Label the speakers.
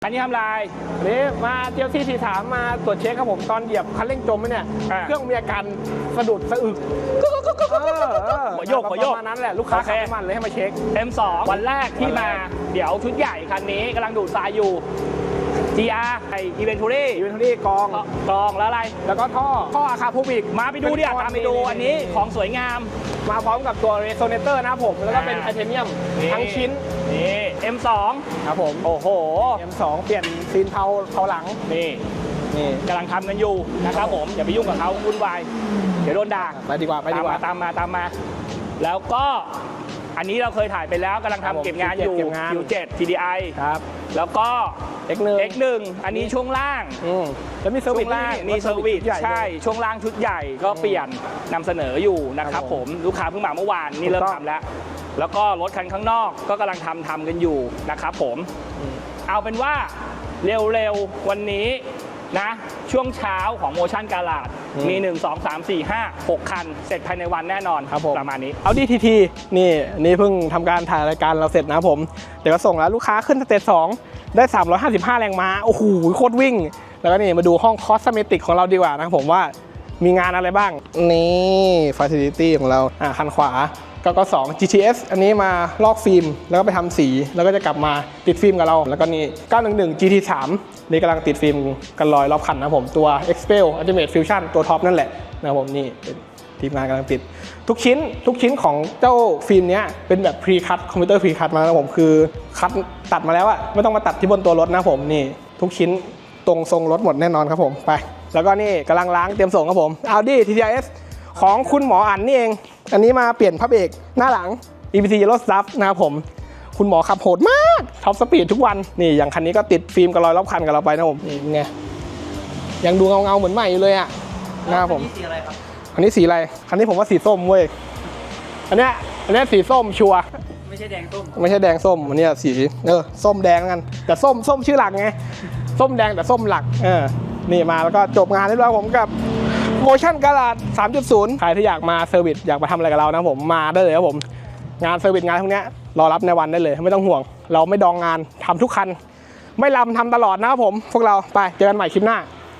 Speaker 1: อันนี้ทำลาย
Speaker 2: นี่มาเจียวที่43มาตรวจเช็คครับผมตอนเหยียบคันเร่งจมไหมเนี่ยเครื่องมีอาการสะดุดสะอึก
Speaker 1: หัวโยก
Speaker 2: ประมาณนั้นแหละลูกค้าขับน้ำมันเลยให้มาเช็ค
Speaker 1: M2 วันแรกที่มาเดี๋ยวชุดใหญ่คันนี้กำลังดูดทรายอยู่ GR ไออีเวนทูรี่
Speaker 2: กอง
Speaker 1: แล้วอะไร
Speaker 2: แล้วก็ท่ออาคาพูบิก
Speaker 1: มาไปดูดิตามไปดูอันนี้ของสวยงาม
Speaker 2: มาพร้อมกับตัวเรโซเนเตอร์นะครับผมแล้วก็เป็นไทเทเนียมทั้งชิ้น
Speaker 1: นี่ M2
Speaker 2: ครับผม
Speaker 1: โอ้โห
Speaker 2: M2 เปลี่ยนซีนเผาหลัง
Speaker 1: นี่กำลังทำกันอยู่นะครับผมอย่าไปยุ่งกับเขาวุ่นวายเดี๋ยวโดนด่า
Speaker 2: ไปดีกว่า
Speaker 1: ตามมาแล้วก็อันนี้เราเคยถ่ายไปแล้วกำลังทำเก็บงานอยู่ Q7 TDI
Speaker 2: ครับ
Speaker 1: แล้วก็ X1 อันนี้ช่วงล่าง
Speaker 2: แล้วมีเซอร์วิส
Speaker 1: ล่างมีเซอร์วิสใช่ช่วงล่างชุดใหญ่ก็เปลี่ยนนำเสนออยู่นะครับผมลูกค้าเพิ่งมาเมื่อวานนี่เริ่มทำแล้วก็รถคันข้างนอกก็กำลังทำกันอยู่นะครับผมเอาเป็นว่าเร็วๆวันนี้นะช่วงเช้าของโมชั่นการาดมี1 2 3 4 5 6 คันเสร็จภายในวันแน่นอน
Speaker 2: ครับ
Speaker 1: ประมาณนี้
Speaker 2: เอาดีทีนี่เพิ่งทำการถ่ายรายการเราเสร็จนะผมเดี๋ยวก็ส่งแล้วลูกค้าขึ้นสเตจ2ได้355แรงม้าโอ้โหโคตรวิ่งแล้วก็นี่มาดูห้องคอสเมติกของเราดีกว่านะผมว่ามีงานอะไรบ้างนี่ฟาซิลิตี้ของเราคันขวาก็2 GTS อันนี้มาลอกฟิล์มแล้วก็ไปทำสีแล้วก็จะกลับมาติดฟิล์มกับเราแล้วก็นี่911 GT3 นี่กำลังติดฟิล์มกันลอยรอบคันนะผมตัว Expel Ultimate Fusion ตัวท็อปนั่นแหละนะผมนี่เป็นทีมงานกำลังติดทุกชิ้นของเจ้าฟิล์มนี้เป็นแบบพรีคัทคอมพิวเตอร์พรีคัทมานะผมคือคัทตัดมาแล้วอะไม่ต้องมาตัดที่บนตัวรถนะผมนี่ทุกชิ้นตรงทรงรถหมดแน่นอนครับผมไปแล้วก็นี่กำลังล้างเตรียมส่งครับผม Audi TTS ของคุณหมออั๋นนี่เองอันนี้มาเปลี่ยนพระเบรกหน้าหลัง EPC Yellow Stuff นะครับผมคุณหมอขับโหดมากท็อปสปีดทุกวันนี่อย่างคันนี้ก็ติดฟิล์มกันลอยรอบคันกับเราไปนะผมนี่ไงยังดูเงาเหมือนใหม่อยู่เลยอะนะครับผม
Speaker 1: สีอะไรครับ
Speaker 2: อันนี้สีอะไรคันนี้ผมว่าสีส้มเว้ยอันนี้สีส้มชัว
Speaker 1: ไม่ใช่แดงส้ม
Speaker 2: ไม่ใช่แดงส้มอันนี้สีส้มแดงกันแต่ส้มชื่อหลักไงส้มแดงแต่ส้มหลักนี่มาแล้วก็จบงานเรียบร้อยผมกับโมชั่นการาด 3.0 ใครที่อยากมาเซอร์วิสอยากมาทำอะไรกับเรานะผมมาได้เลยครับผมงานเซอร์วิสงานพวกนี้รอรับในวันได้เลยไม่ต้องห่วงเราไม่ดองงานทำทุกคันไม่ลำทำตลอดนะครับผมพวกเราไปเจอกันใหม่คลิปหน้า